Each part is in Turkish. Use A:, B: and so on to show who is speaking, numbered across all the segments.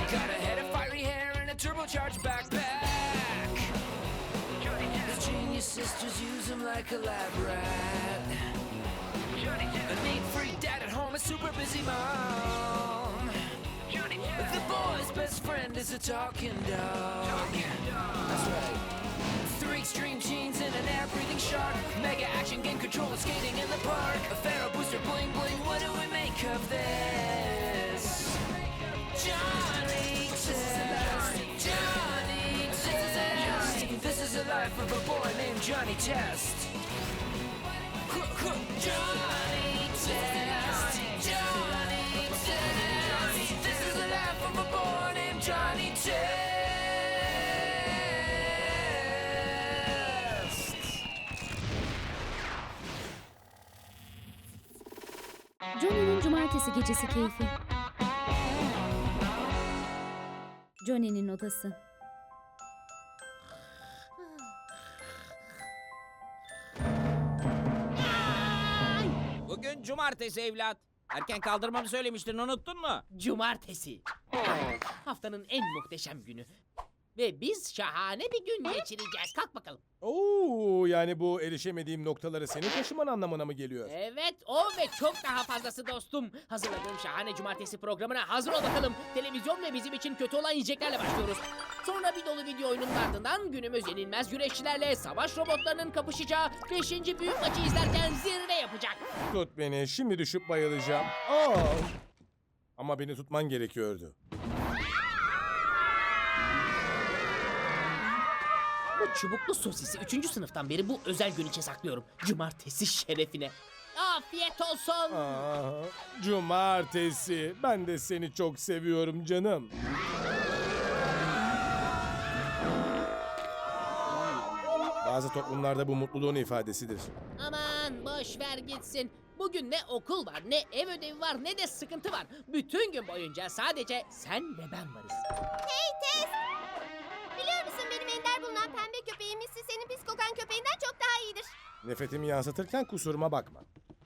A: Got a head of fiery hair and a turbocharged backpack. His genius sisters use him like a lab rat. A neat freak dad at home, a super busy mom. The boy's best friend is a talking dog. That's right. 3 extreme genes and an air-breathing shark. Mega action game controller skating in the park. A Pharaoh booster bling bling. What do we make of this? Johnny Test. Johnny Test. This is the life of a boy named Johnny Test. Johnny Test. Johnny Test. This is the life of a boy named Johnny Test.
B: Johnny'nin cumartesi gecesi keyfi. Johnny'nin odası.
C: Bugün cumartesi evlat. Erken kaldırmamı söylemiştin, unuttun mu?
D: Cumartesi. Haftanın en muhteşem günü. Ve biz şahane bir gün geçireceğiz. Kalk bakalım.
E: Oo, yani bu erişemediğim noktaları senin taşıman anlamına mı geliyor?
D: Evet, o ve çok daha fazlası dostum. Hazırladığım şahane cumartesi programına hazır ol bakalım. Televizyon ve bizim için kötü olan yiyeceklerle başlıyoruz. Sonra bir dolu video oyunun ardından günümüz yenilmez güreşçilerle savaş robotlarının kapışacağı 5. büyük maçı izlerken zirve yapacak.
E: Tut beni, şimdi düşüp bayılacağım. Aa! Ama beni tutman gerekiyordu.
D: Bu çubuklu sosisi 3. sınıftan beri bu özel gün için saklıyorum. Cumartesi şerefine. Afiyet olsun.
E: Aa, cumartesi. Ben de seni çok seviyorum canım. Bazı toplumlarda bu mutluluğun ifadesidir.
D: Aman boş ver gitsin. Bugün ne okul var, ne ev ödevi var, ne de sıkıntı var. Bütün gün boyunca sadece sen ve ben varız.
F: Hey Tez! Biliyor musun benim ender bulunan pembe köpeğim Missy senin pis kokan köpeğinden çok daha iyidir.
E: Nefretimi yansıtırken kusuruma bakma.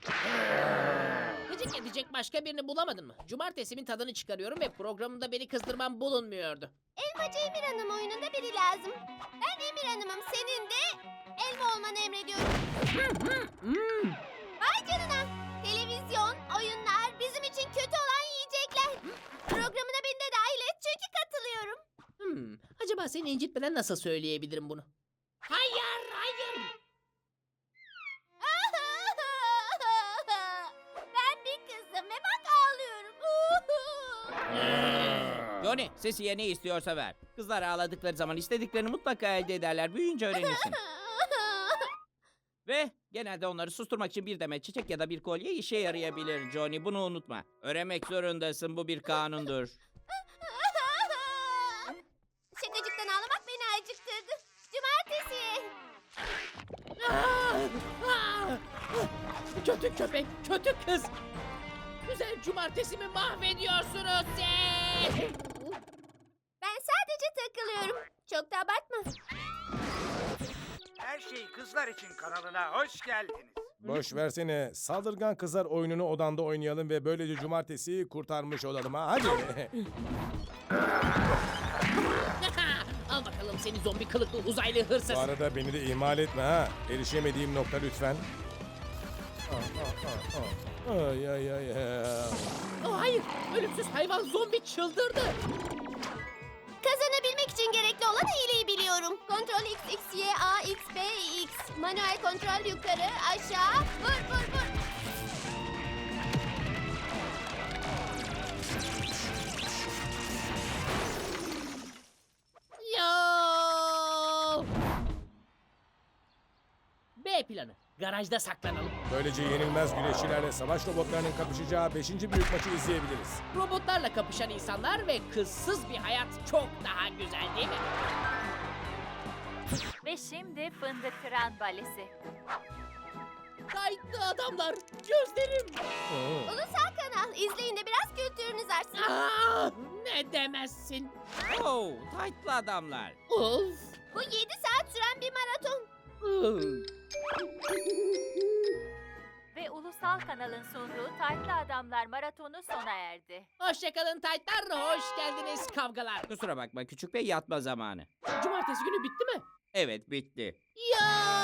D: Gıcık edecek başka birini bulamadın mı? Cumartesimin tadını çıkarıyorum ve programımda beni kızdırmam bulunmuyordu.
F: Elmacı Emir Hanım oyununda biri lazım. Ben Emir Hanım'ım, senin de elma olmanı emrediyorum. Vay canına! Televizyon, oyunlar, bizim için kötü olan yiyecekler. Programına beni de dahil et çünkü katılıyorum.
D: Acaba seni incitmeden nasıl söyleyebilirim bunu? Hayır, hayır!
F: Ben bir kızım ve bak ağlıyorum.
C: Johnny, Sesi'ye ne istiyorsa ver. Kızlar ağladıkları zaman istediklerini mutlaka elde ederler. Büyüyünce öğrenirsin. Ve genelde onları susturmak için bir demet çiçek ya da bir kolye işe yarayabilir Johnny. Bunu unutma. Öğrenmek zorundasın. Bu bir kanundur.
F: Şakacıktan ağlamak beni acıktırdı. Cumartesi.
D: Kötü köpek, kötü kız! Güzel cumartesimi mahvediyorsunuz siz!
F: Ben sadece takılıyorum. Çok da abartma.
G: Her Şey Kızlar için kanalına hoş geldiniz.
E: Boş versene. Saldırgan kızlar oyununu odanda oynayalım ve böylece cumartesiyi kurtarmış olalım ha. Hadi.
D: Al bakalım seni zombi kılıklı uzaylı hırsız!
E: Bu arada beni de ihmal etme ha. Erişemediğim nokta lütfen. Ay ay ay.
D: Hayır, ölümsüz hayvan zombi çıldırdı!
F: Kazanabilmek için gerekli olan hileyi biliyorum. Kontrol X, X, Y, A, X, B, X. Manuel kontrol yukarı, aşağı. Vur, vur, vur.
D: Yo! B planı. Garajda saklanalım.
E: Böylece yenilmez güreşçilerle savaş robotlarının kapışacağı 5. büyük maçı izleyebiliriz.
D: Robotlarla kapışan insanlar ve kızsız bir hayat çok daha güzel değil mi?
H: Ve şimdi Fındık Kıran Balesi.
D: Kayıtlı adamlar, gözlerim!
F: Ulusal kanal. İzleyin de biraz kültürünüz artsın.
D: Ne demezsin?
C: Oh, taytlı adamlar.
D: Of!
F: Bu 7 saat süren bir maraton.
D: Uf.
H: ve Ulusal Kanal'ın sunduğu Taytlı Adamlar Maratonu sona erdi.
D: Hoşçakalın taytlar, hoş geldiniz kavgalar.
C: Kusura bakma küçük bey, yatma zamanı.
D: Cumartesi günü bitti mi?
C: Evet, bitti.
D: Ya!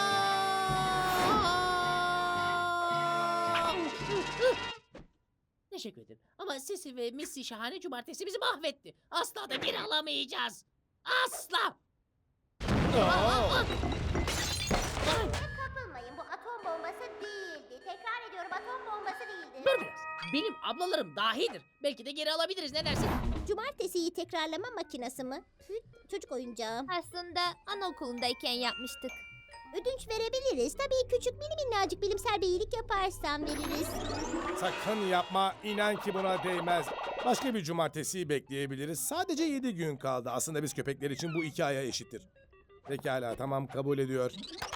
D: Teşekkür ederim. Ama Sisi ve Missy şahane cumartesi bizi mahvetti. Asla da geri alamayacağız. Asla! Ay!
F: Kapılmayın, bu atom bombası değildi. Tekrar ediyorum, atom bombası değildi.
D: Dur biraz. Benim ablalarım dahidir. Belki de geri alabiliriz, ne dersin?
F: Cumartesiyi tekrarlama makinesi mi? Çocuk oyuncağı. Aslında anaokulundayken yapmıştık. Ödünç verebiliriz. Tabii küçük minnacık bilimsel bir iyilik yaparsan veririz.
E: Sakın yapma, inan ki buna değmez. Başka bir cumartesiyi bekleyebiliriz. Sadece 7 gün kaldı. Aslında biz köpekler için bu 2 aya eşittir. Pekala, tamam, kabul ediyor.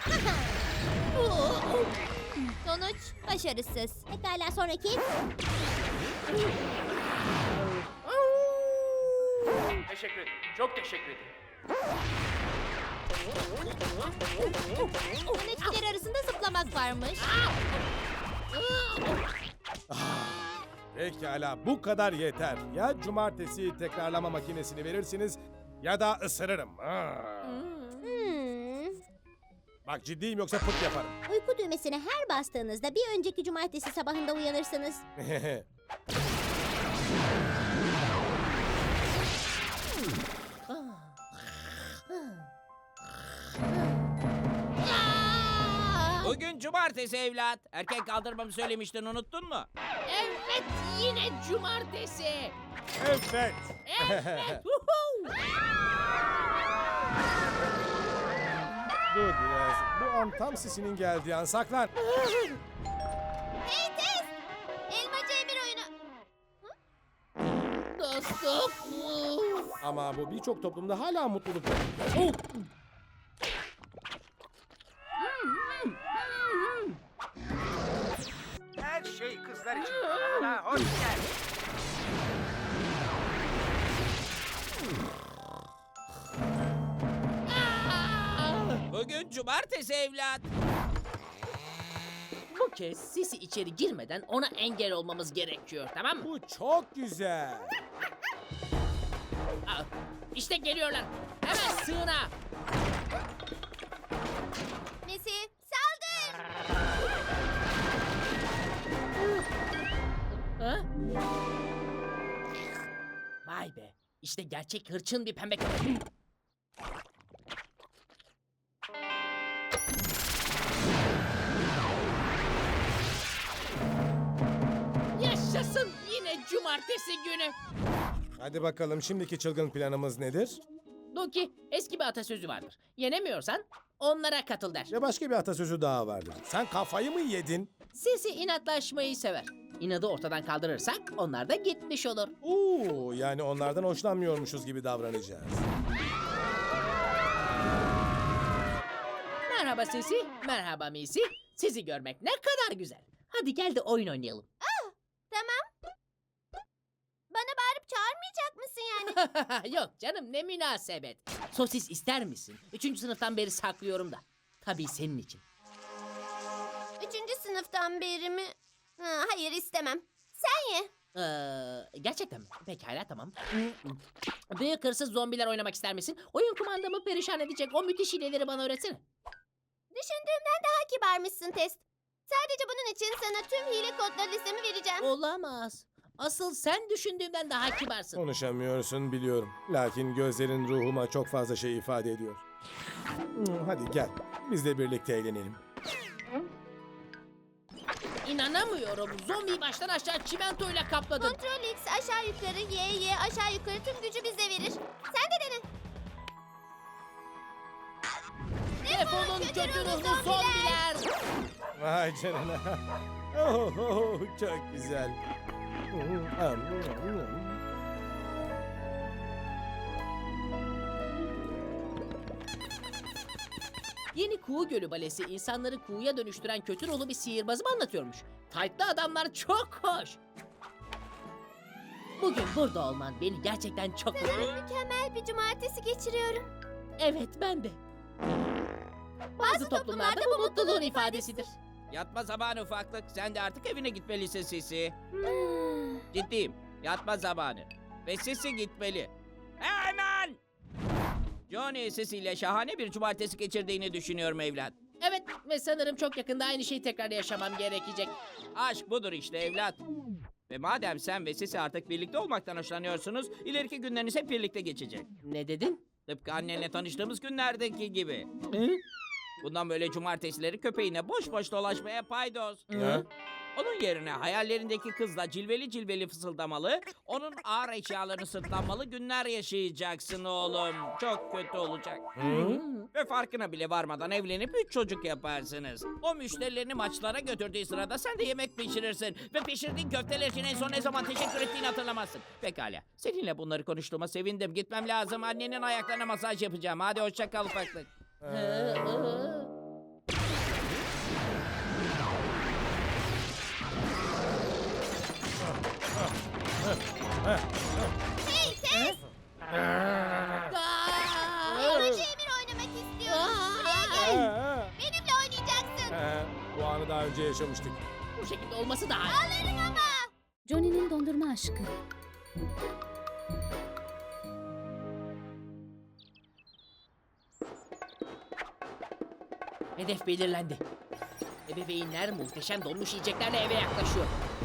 F: Sonuç başarısız. Pekala, sonraki.
G: Teşekkür ederim. Çok teşekkür ederim.
F: Yöneticiler arasında zıplamak varmış.
E: Pekala, bu kadar yeter. Ya cumartesi tekrarlama makinesini verirsiniz ya da ısırırım. Bak, ciddiyim, yoksa pıt yaparım.
F: Uyku düğmesine her bastığınızda bir önceki cumartesi sabahında uyanırsınız.
C: Bugün cumartesi evlat. Erken kaldırmamı söylemiştin, unuttun mu?
D: Evet, yine cumartesi.
E: Evet.
D: Evet. Huhu!
E: Dur biraz. Bu an tam Sisi'nin geldiği an. Saklan.
F: Hey Tez! Elmacı Emir oyunu.
D: Dostum.
E: Ama bu birçok toplumda hala mutluluk.
D: Oh!
G: Her şey kızlar için kanalına hoş geldiniz.
C: Bugün cumartesi evlat.
D: Bu kez Sisi içeri girmeden ona engel olmamız gerekiyor, tamam mı?
E: Bu çok güzel.
D: Aa, İşte geliyorlar. Hemen sığına.
F: Messi, saldır!
D: Ha? Vay be. İşte gerçek hırçın bir pembe köpek. Yaşasın, yine cumartesi günü.
E: Hadi bakalım, şimdiki çılgın planımız nedir?
D: Doki, eski bir atasözü vardır. Yenemiyorsan onlara katıl der.
E: Ya başka bir atasözü daha vardır. Sen kafayı mı yedin?
D: Sisi inatlaşmayı sever. İnadı ortadan kaldırırsak onlar da gitmiş olur.
E: Oo, yani onlardan hoşlanmıyormuşuz gibi davranacağız.
D: Merhaba Sisi, merhaba Misi. Sizi görmek ne kadar güzel. Hadi gel de oyun oynayalım.
F: Tamam. Bana bağırıp çağırmayacak mısın yani?
D: Yok canım, ne münasebet. Sosis ister misin? 3. sınıftan beri saklıyorum da. Tabii senin için.
F: 3. sınıftan beri mi? Hayır, istemem. Sen ye.
D: Gerçekten mi? Pekala, tamam. Büyük hırsız zombiler oynamak ister misin? Oyun kumandamı perişan edecek o müthiş hileleri bana öğretsene.
F: Düşündüğümden daha kibarmışsın Test. Sadece bunun için sana tüm hile kodları listemi vereceğim.
D: Olamaz. Asıl sen düşündüğümden daha kibarsın.
E: Konuşamıyorsun biliyorum. Lakin gözlerin ruhuma çok fazla şey ifade ediyor. Hadi gel, biz de birlikte eğlenelim.
D: İnanamıyorum. Zombiyi baştan aşağı çimentoyla kapladın.
F: Kontrol X aşağı yukarı, Y aşağı yukarı tüm gücü bize verir. Sen de dene.
D: Defolun kötü ruhlu zombiler.
E: Vay canına. Oh, çok güzel.
D: Yeni Kuğu Gölü Balesi insanları kuğuya dönüştüren kötü ruhlu bir sihirbazı mı anlatıyormuş? Taytlı adamlar çok hoş. Bugün burada olman beni gerçekten çok mutlu etti.
F: Mükemmel bir cumartesi geçiriyorum.
D: Evet, ben de. Bazı toplumlarda bu mutluluğun ifadesidir.
C: Yatma zamanı ufaklık. Sen de artık evine gitmelisin Sisi. Ciddiyim. Yatma zamanı. Ve Sisi gitmeli. Hemen! Johnny Sisi ile şahane bir cumartesi geçirdiğini düşünüyorum evlat.
D: Evet ve sanırım çok yakında aynı şeyi tekrar yaşamam gerekecek.
C: Aşk budur işte evlat. Ve madem sen ve Sisi artık birlikte olmaktan hoşlanıyorsunuz, ileriki günleriniz hep birlikte geçecek.
D: Ne dedin?
C: Tıpkı annenle tanıştığımız günlerdeki gibi.
D: Hı?
C: Bundan böyle cumartesileri köpeğine boş boş dolaşmaya paydos.
E: Ha?
C: Onun yerine hayallerindeki kızla cilveli cilveli fısıldamalı, onun ağır eşyalarını sırtlanmalı günler yaşayacaksın oğlum. Çok kötü olacak. Ve farkına bile varmadan evlenip 3 çocuk yaparsınız. O müşterilerini maçlara götürdüğü sırada sen de yemek pişirirsin. Ve pişirdiğin köfteler için en son ne zaman teşekkür ettiğini hatırlamazsın. Pekala. Seninle bunları konuştuğuma sevindim. Gitmem lazım. Annenin ayaklarına masaj yapacağım. Hadi hoşça kal ufaklık.
F: Hey Tez! Yorucu Emir oynamak istiyorum. Buraya gel. Benimle oynayacaksın.
E: Bu anı daha önce yaşamıştık.
D: Bu şekilde olması daha iyi.
F: Alırım ama.
B: Johnny'nin dondurma aşkı.
D: Hedef belirlendi. Ebeveynler muhteşem donmuş yiyeceklerle eve yaklaşıyor.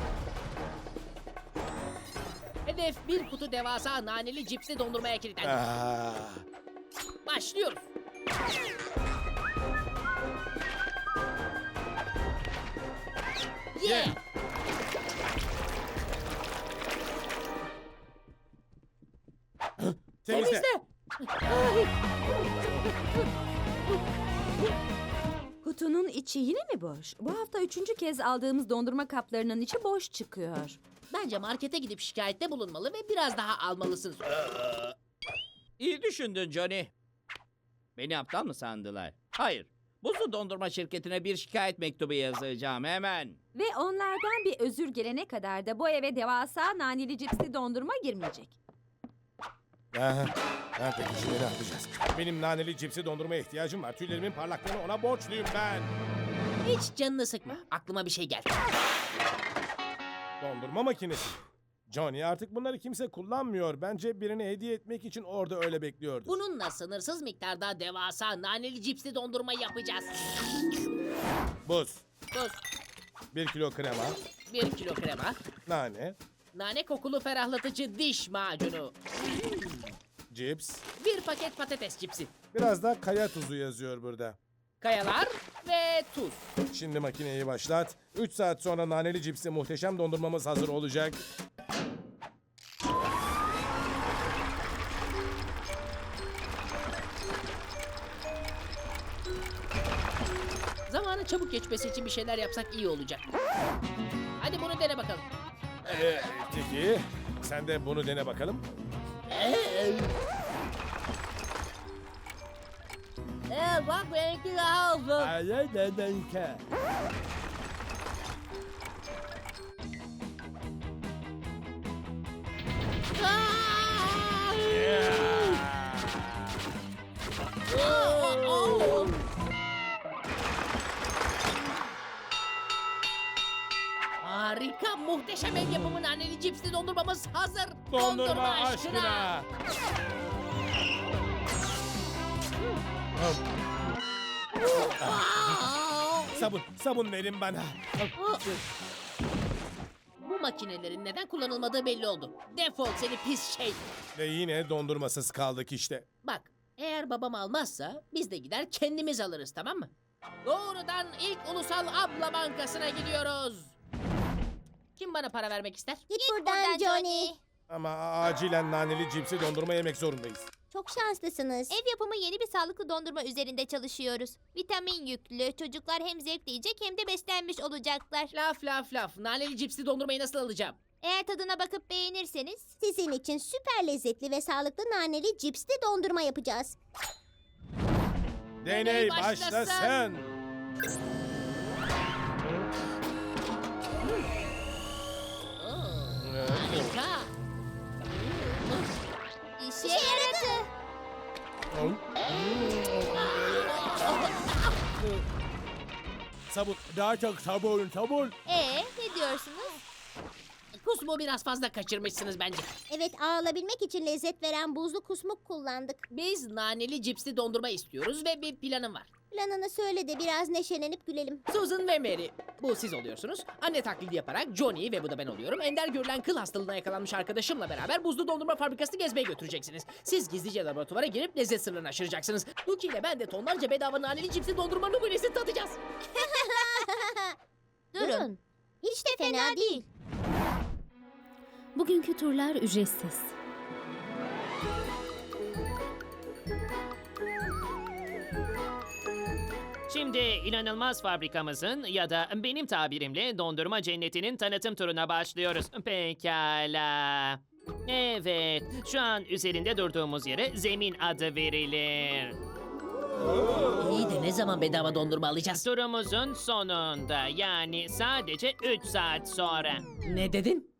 D: Hedef bir kutu devasa naneli cipsli dondurmaya kilitlendi. Başlıyoruz. Yeah!
E: Temizle.
I: Kutunun içi yine mi boş? Bu hafta 3. kez aldığımız dondurma kaplarının içi boş çıkıyor.
D: Bence markete gidip şikayette bulunmalı ve biraz daha almalısınız.
C: İyi düşündün Johnny. Beni aptal mı sandılar? Hayır. Buzlu dondurma şirketine bir şikayet mektubu yazacağım hemen.
I: Ve onlardan bir özür gelene kadar da bu eve devasa naneli cipsli dondurma girmeyecek.
E: Peki şimdi ne yapacağız? Benim naneli cipsi dondurmaya ihtiyacım var. Tüylerimin parlaklığını ona borçluyum ben.
D: Hiç canını sıkma. Aklıma bir şey geldi.
E: Dondurma makinesi. Johnny artık bunları kimse kullanmıyor. Bence birine hediye etmek için orada öyle bekliyordu.
D: Bununla sınırsız miktarda devasa naneli cipsli dondurma yapacağız.
E: Buz,
D: Tuz,
E: 1 kilo krema,
D: 1 kilo krema,
E: nane,
D: nane kokulu ferahlatıcı diş macunu,
E: cips,
D: 1 paket patates cipsi,
E: biraz da kaya tuzu yazıyor burada.
D: kayalar ve tuz.
E: Şimdi makineyi başlat. 3 saat sonra naneli cipsi muhteşem dondurmamız hazır olacak.
D: Zamanın çabuk geçmesi için bir şeyler yapsak iyi olacak. Hadi bunu dene bakalım.
E: Peki, sen de bunu dene bakalım.
D: Bak benimki daha uzun. Harika, muhteşem ev yapımı naneli cipsli dondurmamız hazır.
E: Dondurma aşkına. Sabun verin bana.
D: Bu makinelerin neden kullanılmadığı belli oldu. Defol seni pis şey.
E: Ve yine dondurmasız kaldık işte.
D: Bak, eğer babam almazsa biz de gider kendimiz alırız, tamam mı? Doğrudan ilk ulusal abla bankasına gidiyoruz. Kim bana para vermek ister?
F: Git buradan Johnny.
E: Ama acilen naneli cipsi dondurma yemek zorundayız.
F: Çok şanslısınız. Ev yapımı yeni bir sağlıklı dondurma üzerinde çalışıyoruz. Vitamin yüklü. Çocuklar hem zevkle yiyecek hem de beslenmiş olacaklar.
D: Laf. Naneli cipsli dondurmayı nasıl alacağım?
F: Eğer tadına bakıp beğenirseniz sizin için süper lezzetli ve sağlıklı naneli cipsli dondurma yapacağız.
E: Deney
D: başlasın.
E: başlasın.
D: Harika.
F: İşe yaradı.
E: sabun. Daha çok sabun, sabun.
F: Ne diyorsunuz?
D: Kusmu biraz fazla kaçırmışsınız bence.
F: Evet, ağlabilmek için lezzet veren buzlu kusmuk kullandık.
D: Biz naneli cipsli dondurma istiyoruz ve bir planım var.
F: Planını söyle de biraz neşelenip gülelim.
D: Susan ve Mary, bu siz oluyorsunuz. Anne taklidi yaparak Johnny ve bu da ben oluyorum. Ender görülen kıl hastalığına yakalanmış arkadaşımla beraber buzlu dondurma fabrikasını gezmeye götüreceksiniz. Siz gizlice laboratuvara girip lezzet sırrını aşıracaksınız. Duki ile ben de tonlarca bedava naneli cipsli dondurma numunesi tadacağız.
F: Durun. Hiç de fena değil.
B: Bugünkü turlar ücretsiz.
J: Şimdi inanılmaz fabrikamızın ya da benim tabirimle dondurma cennetinin tanıtım turuna başlıyoruz. Pekala. Evet, şu an üzerinde durduğumuz yere zemin adı verilir.
D: İyi de ne zaman bedava dondurma alacağız?
J: Turumuzun sonunda, yani sadece 3 saat sonra.
D: Ne dedin?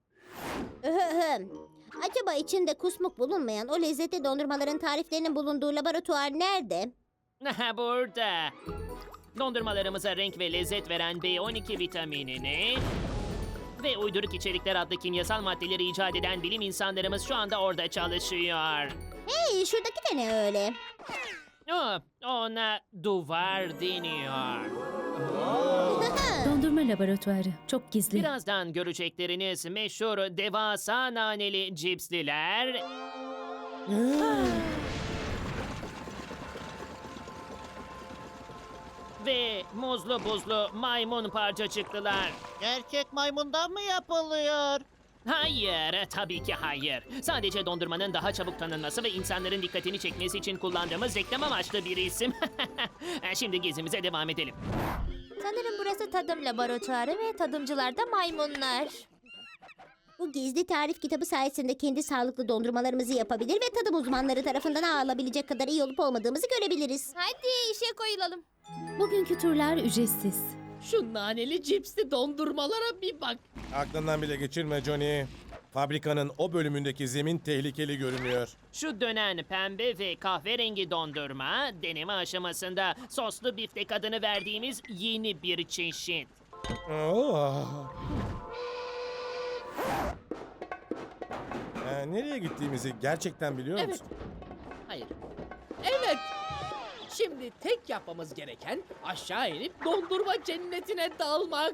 F: Acaba içinde kusmuk bulunmayan o lezzetli dondurmaların tariflerinin bulunduğu laboratuvar nerede?
J: Burada. Dondurmalarımıza renk ve lezzet veren B12 vitaminini ve uyduruk içerikler adlı kimyasal maddeleri icat eden bilim insanlarımız şu anda orada çalışıyor.
F: Hey, şuradaki de ne öyle?
J: Ona duvar deniyor.
B: Dondurma laboratuvarı. Çok gizli.
J: Birazdan görecekleriniz meşhur devasa naneli cipsliler ve muzlu buzlu maymun parçacıklılar.
G: Gerçek maymundan mı yapılıyor?
J: Hayır, tabii ki hayır. Sadece dondurmanın daha çabuk tanınması ve insanların dikkatini çekmesi için kullandığımız reklam amaçlı bir isim. Şimdi gezimize devam edelim.
F: Sanırım burası tadım laboratuvarı ve tadımcılar da maymunlar. Bu gizli tarif kitabı sayesinde kendi sağlıklı dondurmalarımızı yapabilir ve tadım uzmanları tarafından ağılabilecek kadar iyi olup olmadığımızı görebiliriz. Hadi işe koyulalım.
B: Bugünkü turlar ücretsiz.
D: Şu naneli cipsli dondurmalara bir bak.
E: Aklından bile geçirme Johnny. Fabrikanın o bölümündeki zemin tehlikeli görünüyor.
J: Şu dönen pembe ve kahverengi dondurma deneme aşamasında soslu biftek adını verdiğimiz yeni bir çeşit.
E: Oh. Nereye gittiğimizi gerçekten biliyor
D: Evet.
E: musun?
D: Hayır. Evet. Şimdi tek yapmamız gereken aşağı inip dondurma cennetine dalmak.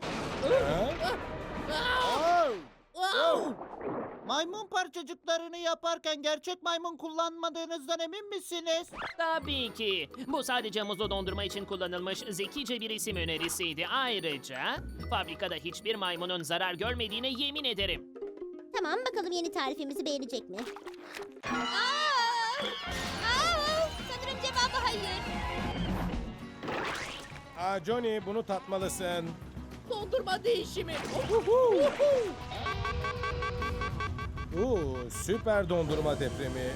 G: Maymun parçacıklarını yaparken gerçek maymun kullanmadığınızdan emin misiniz?
J: Tabii ki. Bu sadece muzlu dondurma için kullanılmış zekice bir isim önerisiydi. Ayrıca fabrikada hiçbir maymunun zarar görmediğine yemin ederim.
F: Tamam, bakalım yeni tarifimizi beğenecek mi? Sanırım cevabı hayır.
E: Johnny, bunu tatmalısın.
D: Dondurma değişimi.
E: Süper dondurma depremi.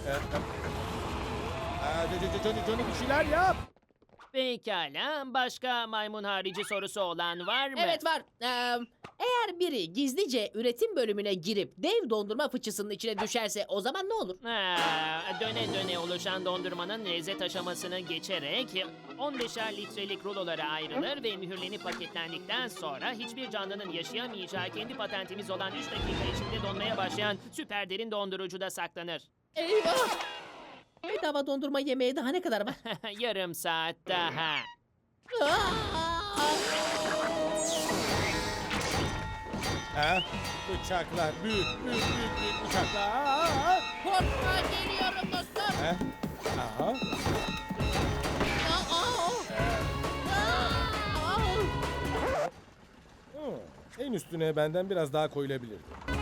E: Johnny bir şeyler yap.
J: Pekala. Başka maymun harici sorusu olan var mı?
D: Evet var. Eğer biri gizlice üretim bölümüne girip dev dondurma fıçısının içine düşerse o zaman ne olur?
J: Döne döne oluşan dondurmanın lezzet aşamasını geçerek 15'er litrelik rulolara ayrılır ve mühürlenip paketlendikten sonra hiçbir canlının yaşayamayacağı kendi patentimiz olan 3 dakika içinde donmaya başlayan süper derin dondurucuda saklanır.
D: Eyvah! Bedava dondurma yemeye daha ne kadar var?
J: Yarım saat daha.
E: Bıçaklar, büyük bıçaklar.
D: Korkma, geliyorum dostum.
E: Aha. En üstüne benden biraz daha koyulabilir.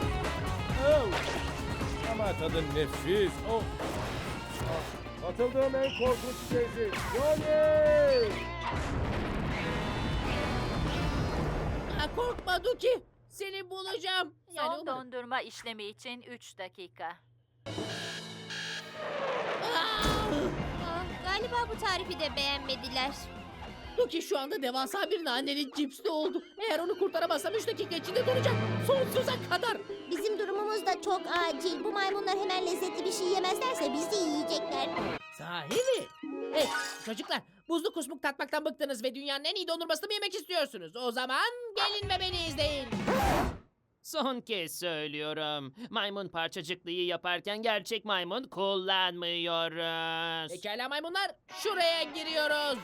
E: Ama tadı nefis. Katıldığım en korkunç şeydi. Johnny!
D: Korkma Duki. Seni bulacağım.
H: Son dondurma işlemi için 3 dakika.
F: Galiba bu tarifi de beğenmediler.
D: Duki şu anda devasa bir naneli cipsli oldu. Eğer onu kurtaramazsam 3 dakika içinde donacak. Sonsuza kadar.
F: Bizim durumumuz da çok acil. Bu maymunlar hemen lezzetli bir şey yemezlerse bizi yiyecekler.
D: Sahi mi? Hey çocuklar, Buzlu kusmuk tatmaktan bıktınız ve dünyanın en iyi dondurmasını mı yemek istiyorsunuz? O zaman gelin ve beni izleyin.
J: Son kez söylüyorum. Maymun parçacıklıyı yaparken gerçek maymun kullanmıyoruz.
D: Pekala maymunlar, şuraya giriyoruz.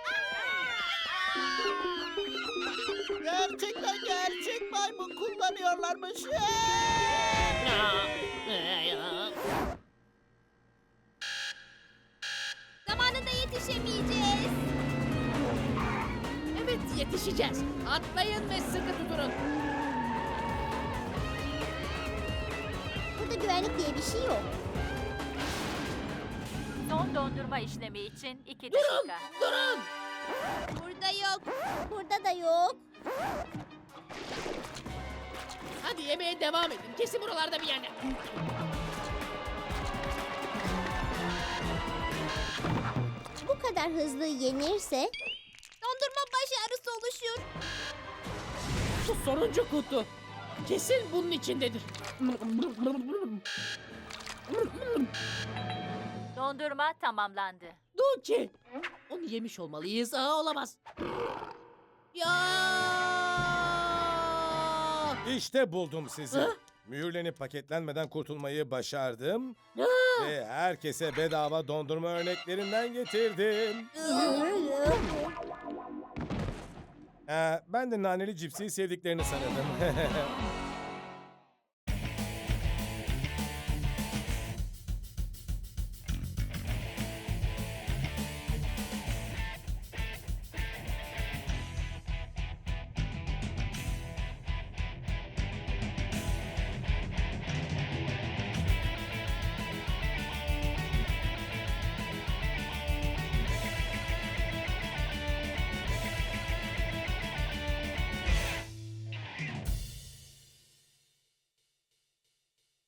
G: Gerçek maymun kullanıyorlarmış.
F: Zamanında yetişemeyeceğiz.
D: Evet, yetişeceğiz. Atlayın ve sıkı tutunun.
F: Burada güvenlik diye bir şey yok.
H: Son dondurma işlemi için 2
D: Durun,
H: dakika.
D: durun.
F: Burada yok. Burada da yok.
D: Hadi yemeğe devam edin. Kesin buralarda bir yerde.
F: Bu kadar hızlı yenirse dondurma başarısı oluşur.
D: Şu sonuncu kutu. Kesin bunun içindedir.
H: Dondurma tamamlandı.
D: Duki. Onu yemiş olmalıyız. Olamaz. Ya!
E: İşte buldum sizi.
D: Ha?
E: Mühürlenip paketlenmeden kurtulmayı başardım.
D: Ha!
E: Ve herkese bedava dondurma örneklerinden getirdim. Ben de naneli cipsi sevdiklerini sanırdım.